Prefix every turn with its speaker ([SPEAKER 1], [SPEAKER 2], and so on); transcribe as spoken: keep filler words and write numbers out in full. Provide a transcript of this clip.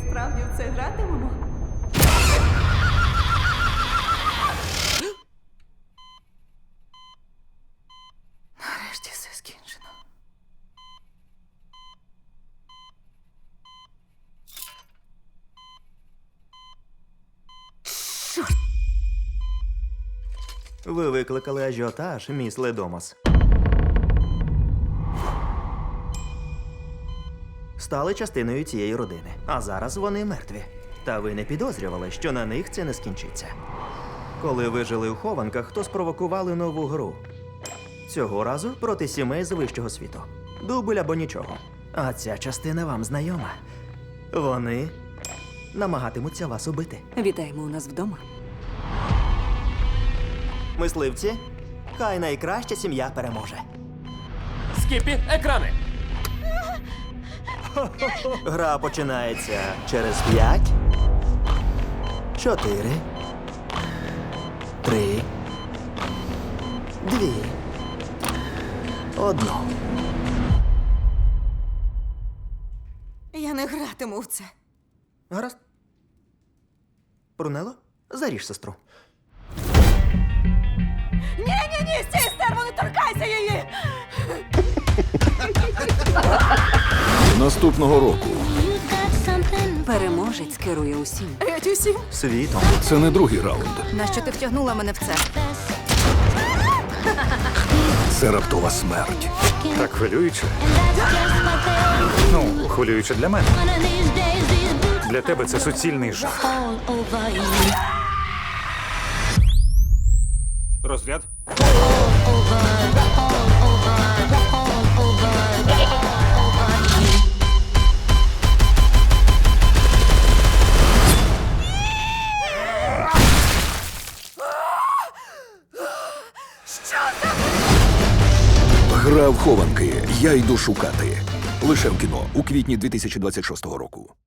[SPEAKER 1] справді в це гратимемо? Нарешті все скінчено.
[SPEAKER 2] Ви викликали ажіотаж, міс Ледомас. Стали частиною цієї родини, а зараз вони мертві. Та ви не підозрювали, що на них це не скінчиться. Коли ви жили у хованках, то спровокували нову гру. Цього разу проти сімей з вищого світу. Дубль або нічого. А ця частина вам знайома. Вони намагатимуться вас убити.
[SPEAKER 1] Вітаємо у нас вдома.
[SPEAKER 2] Мисливці, хай найкраща сім'я переможе.
[SPEAKER 3] Скіпі, екрани!
[SPEAKER 2] Гра починається через п'ять, чотири, три, дві, одну.
[SPEAKER 1] Я не гратиму в це.
[SPEAKER 2] Гаразд. Брунело, заріж сестру.
[SPEAKER 1] Ні-ні-ні, стій, стерво, не торкайся її!
[SPEAKER 4] Наступного року
[SPEAKER 5] Переможець керує усім.
[SPEAKER 1] Геть усім.
[SPEAKER 2] Світом.
[SPEAKER 4] це не другий раунд.
[SPEAKER 5] Нащо ти втягнула мене в це?
[SPEAKER 4] Це раптова смерть.
[SPEAKER 6] Так хвилююче. Ну, хвилююче для мене. Для тебе це суцільний жах. Розряд.
[SPEAKER 4] Гра в хованки. Я йду шукати. Лише в кіно у квітні дві тисячі двадцять шостого року.